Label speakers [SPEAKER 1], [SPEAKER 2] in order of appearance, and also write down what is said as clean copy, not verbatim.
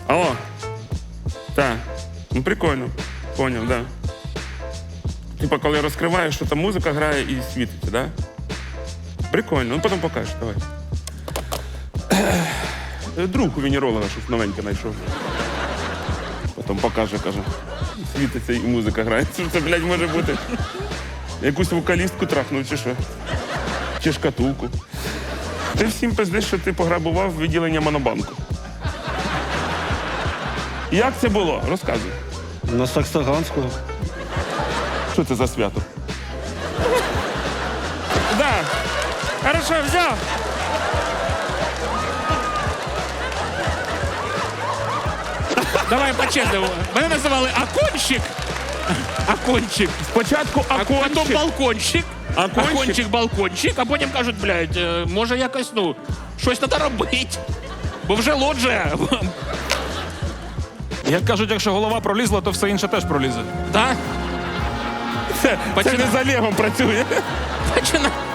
[SPEAKER 1] Алло. Так. Ну, прикольно. Поняв, да. Типа, коли розкриваєш, що там музика грає і світиться, да? Прикольно. Ну, потім покажеш, давай. Друг у венеролога щось новеньке знайшов. Потім покаже, каже. Світиться і музика грає. Це, блядь, може бути. Якусь вокалістку трахнув, чи що? Чи шкатулку. Ти всім пиздиш, що ти пограбував відділення Монобанку. Як це було? Розказуй.
[SPEAKER 2] На Саксаганського.
[SPEAKER 1] Що це за свято?
[SPEAKER 3] Да. Хорошо, взяв. Давай по-чесному. Мене називали Акончик. Акончик.
[SPEAKER 1] Спочатку
[SPEAKER 3] А потім
[SPEAKER 1] акончик.
[SPEAKER 3] балкончик.
[SPEAKER 1] Акончик?
[SPEAKER 3] Балкончик. А потім кажуть, блядь, може якось, ну, щось треба робити. Бо вже лоджія.
[SPEAKER 4] Як кажуть, якщо голова пролізла, то все інше теж пролізе.
[SPEAKER 3] Так?
[SPEAKER 1] Це не за Олегом працює.
[SPEAKER 3] Починай.